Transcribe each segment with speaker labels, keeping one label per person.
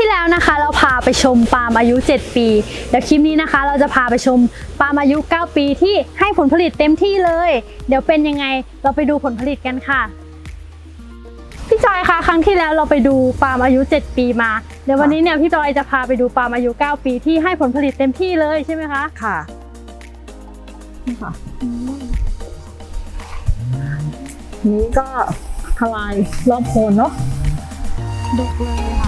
Speaker 1: ที่แล้วนะคะเราพาไปชมปาล์มอายุ7ปีเดี๋ยวคลิปนี้นะคะเราจะพาไปชมปาล์มอายุ9ปีที่ให้ผลผลิตเต็มที่เลยเดี๋ยวเป็นยังไงเราไปดูผลผลิตกันค่ะพี่จอยคะครั้งที่แล้วเราไปดูปาล์มอายุ7ปีมาเดี๋ยววันนี้เนี่ยพี่จอยจะพาไปดูปาล์มอายุ9ปีที่ให้ผลผลิตเต็มที่เลยใช่ไหมคะ
Speaker 2: ค่ะนี่ค่ะนี้ก็ทลายรอบโคนเนาะ
Speaker 1: ดกเลยค่ะ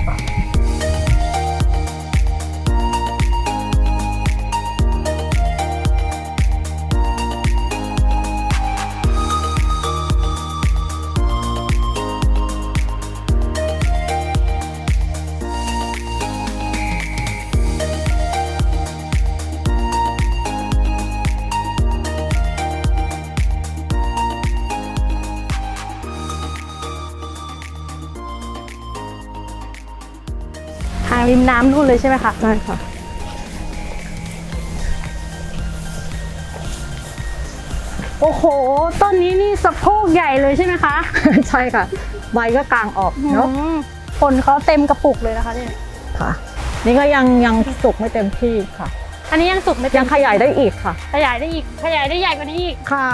Speaker 1: ทางริมน้ำนู่นเลยใช่ไหมคะ
Speaker 2: ใช่ค่ะ
Speaker 1: โอ้โหต้นนี้นี่สะโพกใหญ่เลยใช่ไหมคะ
Speaker 2: ใช่ค่ะใบก็กลางออกเนาะ
Speaker 1: ผลเขาเต็มกระปุกเลยนะคะเนี่ย
Speaker 2: ค่ะนี่ก็ยังสุกไม่เต็มที่ค่ะ
Speaker 1: อันนี้ยังสุกไม่เต็ม
Speaker 2: ยังขยายได้อีกค่ะ
Speaker 1: ขยายได้อีกขยายได้ใหญ่กว่านี้อีก
Speaker 2: ค่ะ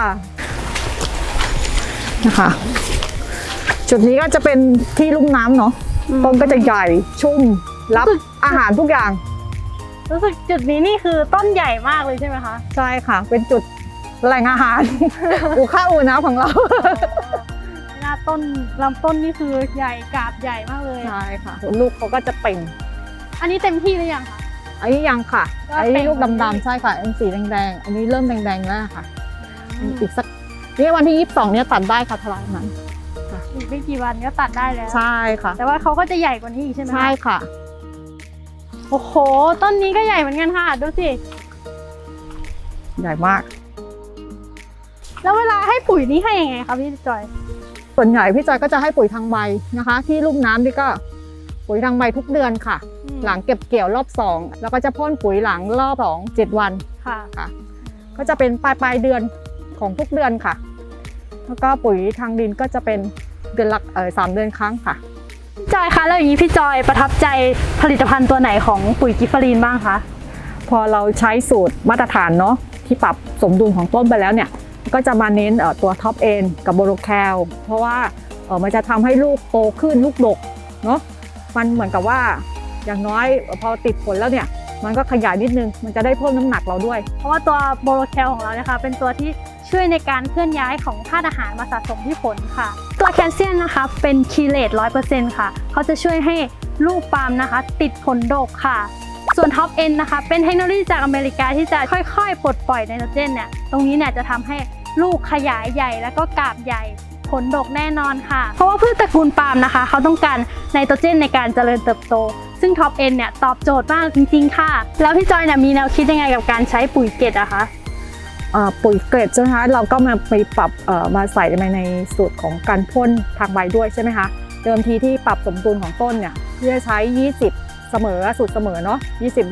Speaker 2: นะคะจุดนี้ก็จะเป็นที่ลุ่มน้ำเนาะต้นก็จะใหญ่ชุ่มรับอาหารทุกอย่าง
Speaker 1: รู้สึกจุดนี้นี่คือต้นใหญ่มากเลยใช่ไหมคะ
Speaker 2: ใช่ค่ะเป็นจุดแหล่งอาหารอู่ข้าวอู่น้ำของเรา
Speaker 1: หน้าต้นลำต้นนี่คือใหญ่กาบใหญ่มากเลย
Speaker 2: ใช่ค่ะลูกเขาก็จะเป่ง
Speaker 1: อันนี้เต็มที่หรือยังคะ
Speaker 2: อันนี้ยังค่ะอันนี้ลูกดำๆใช่ค่ะอันสีแดงๆอันนี้เริ่มแดงๆแล้วค่ะอีกสักนี่วันที่22เนี่ยตัดได้ค่ะทลายมัน
Speaker 1: อีกไม่กี่วันก็ตัดได้แล้ว
Speaker 2: ใช่ค่ะ
Speaker 1: แต่ว่าเขาก็จะใหญ่กว่านี้อีกใช่ไหม
Speaker 2: ใช่ค่ะ
Speaker 1: โอ้โหต้นนี้ก็ใหญ่เหมือนกันค่ะดูสิ
Speaker 2: ใหญ่มาก
Speaker 1: แล้วเวลาให้ปุ๋ยนี่ให้ยังไงคะพี่จอย
Speaker 2: ส่วนใหญ่พี่จอยก็จะให้ปุ๋ยทางใบนะคะที่ลุ่มน้ำนี่ก็ปุ๋ยทางใบทุกเดือนค่ะหลังเก็บเกี่ยวรอบ2แล้วก็จะพ่นปุ๋ยหลังรอบ2 7 วันค่ะก็จะเป็นปลายเดือนของทุกเดือนค่ะแล้วก็ปุ๋ยทางดินก็จะเป็นเดือนละ3 เดือนครั้งค่ะ
Speaker 1: จอยคะแล้วอย่างนี้พี่จอยประทับใจผลิตภัณฑ์ตัวไหนของปุ๋ยกิฟฟารีนบ้างคะ
Speaker 2: พอเราใช้สูตรมาตรฐานเนาะที่ปรับสมดุลของต้นไปแล้วเนี่ยก็จะมาเน้นตัวท็อปเอ็นกับโบโรแคลเพราะว่ามันจะทำให้ลูกโตขึ้นลูกดกเนาะมันเหมือนกับว่าอย่างน้อยพอติดผลแล้วเนี่ยมันก็ขยายนิดนึงมันจะได้เพิ่มน้ำหนักเราด้วย
Speaker 1: เพราะว่าตัวโบโรแคลของเรานะคะเป็นตัวที่ช่วยในการเคลื่อนย้ายของธาตุอาหารมาสะสมที่ผลค่ะตัวแคลเซียมนะคะเป็นคีเลต 100% ค่ะเขาจะช่วยให้ลูกปาล์มนะคะติดผลดกค่ะส่วนท็อปเอ็นนะคะเป็นเทคโนโลยีจากอเมริกาที่จะค่อยๆปลดปล่อยไนโตรเจนเนี่ยตรงนี้เนี่ยจะทำให้ลูกขยายใหญ่แล้วก็กาบใหญ่ผลดกแน่นอนค่ะเพราะว่าพืชตระกูลปาล์มนะคะเขาต้องการไนโตรเจนในการเจริญเติบโตซึ่งท็อปเอ็นเนี่ยตอบโจทย์มากจริงๆค่ะแล้วพี่จอยเนี่ยมีแนวคิดยังไงกับการใช้ปุ๋ยเกล็ดอะคะ
Speaker 2: ปุ๋ยเกล็ดใช่ไหมคะเราก็มาไปปรับมาใส่ในสูตรของการพ่นทางใบด้วยใช่ไหมคะเดิมทีที่ปรับสมดุลของต้นเนี่ยเพื่อใช้20เสมอสูตรเสมอเนาะ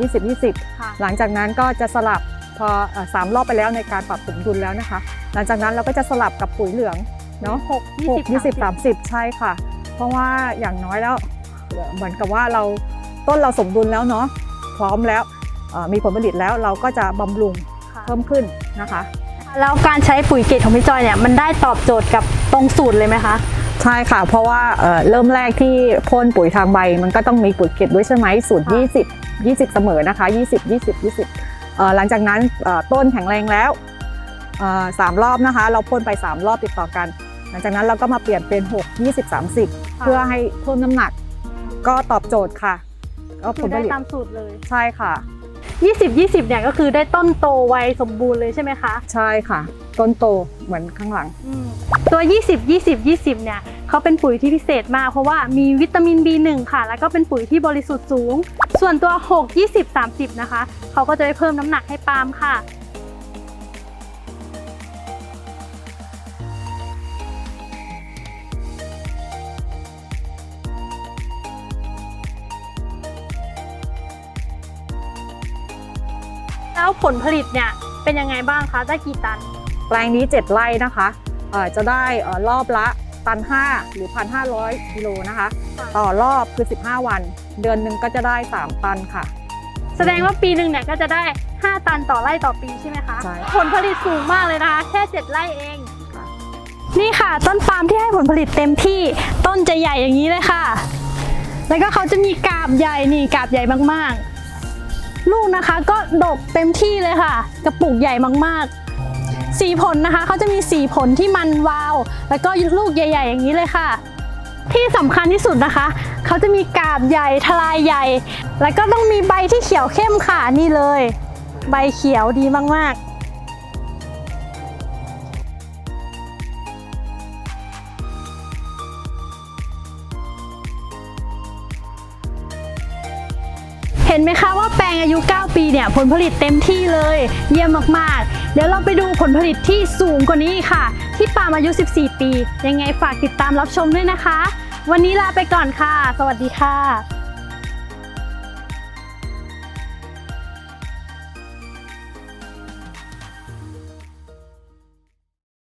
Speaker 2: 20 หลังจากนั้นก็จะสลับพอ3 รอบไปแล้วในการปรับสมดุลแล้วนะคะหลังจากนั้นเราก็จะสลับกับปุ๋ยเหลืองเนาะ6 20 30ใช่ค่ะเพราะว่าอย่างน้อยแล้วเหมือนกับว่าต้นเราสมดุลแล้วเนาะพร้อมแล้วมีผลผลิตแล้วเราก็จะบำรุงเพิ่มขึ้นนะคะ
Speaker 1: แล้วการใช้ปุ๋ยเกล็ดของพี่จอยเนี่ยมันได้ตอบโจทย์กับตรงสูตรเลยไหมคะ
Speaker 2: ใช่ค่ะเพราะว่าเริ่มแรกที่พ่นปุ๋ยทางใบมันก็ต้องมีปุ๋ยเกล็ดด้วยใช่ไหมสูตร20เสมอนะคะ20 หลังจากนั้นต้นแข็งแรงแล้ว3 รอบนะคะเราพ่นไป3 รอบติดต่อกันหลังจากนั้นเราก็มาเปลี่ยนเป็น6 20 30เพื่อให้เพิ่มน้ำหนักก็ตอบโจทย์ค่ะ
Speaker 1: ก็ผลได้ตามสูตรเลย
Speaker 2: ใช่ค่ะ
Speaker 1: 20เนี่ยก็คือได้ต้นโตไวสมบูรณ์เลยใช่ไหมคะ
Speaker 2: ใช่ค่ะต้นโตเหมือนข้างหลัง
Speaker 1: ตัว20เนี่ยเขาเป็นปุ๋ยที่พิเศษมากเพราะว่ามีวิตามิน B1 ค่ะแล้วก็เป็นปุ๋ยที่บริสุทธิ์สูงส่วนตัว6 20 30นะคะเขาก็จะได้เพิ่มน้ำหนักให้ปาล์มค่ะแล้วผลผลิตเนี่ยเป็นยังไงบ้างคะได้กี่ตัน
Speaker 2: แปลงนี้7 ไร่นะคะจะได้รอบละ1,500 หรือ 1,500 กิโลนะคะต่อรอบคือ15 วันเดือนหนึ่งก็จะได้3 ตันค่ะ
Speaker 1: แสดงว่าปีหนึ่งเนี่ยก็จะได้ 5 ตันต่อไร่ต่อปีใช่ไหมคะ
Speaker 2: ใช่
Speaker 1: ผลผลิตสูงมากเลยนะคะแค่ 7 ไร่เอง
Speaker 2: ค่ะ
Speaker 1: นี่ค่ะต้นปาล์มที่ให้ผลผลิตเต็มที่ต้นจะใหญ่อย่างนี้เลยค่ะ แล้วก็เขาจะมีกาบใหญ่นี่กาบใหญ่มากๆ ลูกนะคะก็ดกเต็มที่เลยค่ะกระปุกใหญ่มากๆสีผลนะคะเขาจะมีสีผลที่มันวาว แล้วก็ลูกใหญ่ๆอย่างนี้เลยค่ะ ที่สำคัญที่สุดนะคะเขาจะมีกาบใหญ่ทลายใหญ่ แล้วก็ต้องมีใบที่เขียวเข้มค่ะนี่เลย ใบเขียวดีมากๆเห็นไหมคะว่าแปลงอายุ 9 ปีเนี่ยผลผลิตเต็มที่เลยเยี่ยมมากๆ เดี๋ยวเราไปดูผลผลิตที่สูงกว่านี้ค่ะ ที่ปาล์มอายุ 14 ปี ยังไงฝากติดตามรับชมด้วยนะคะ วันนี้ลาไปก่อนค่ะ สวัสดีค่ะ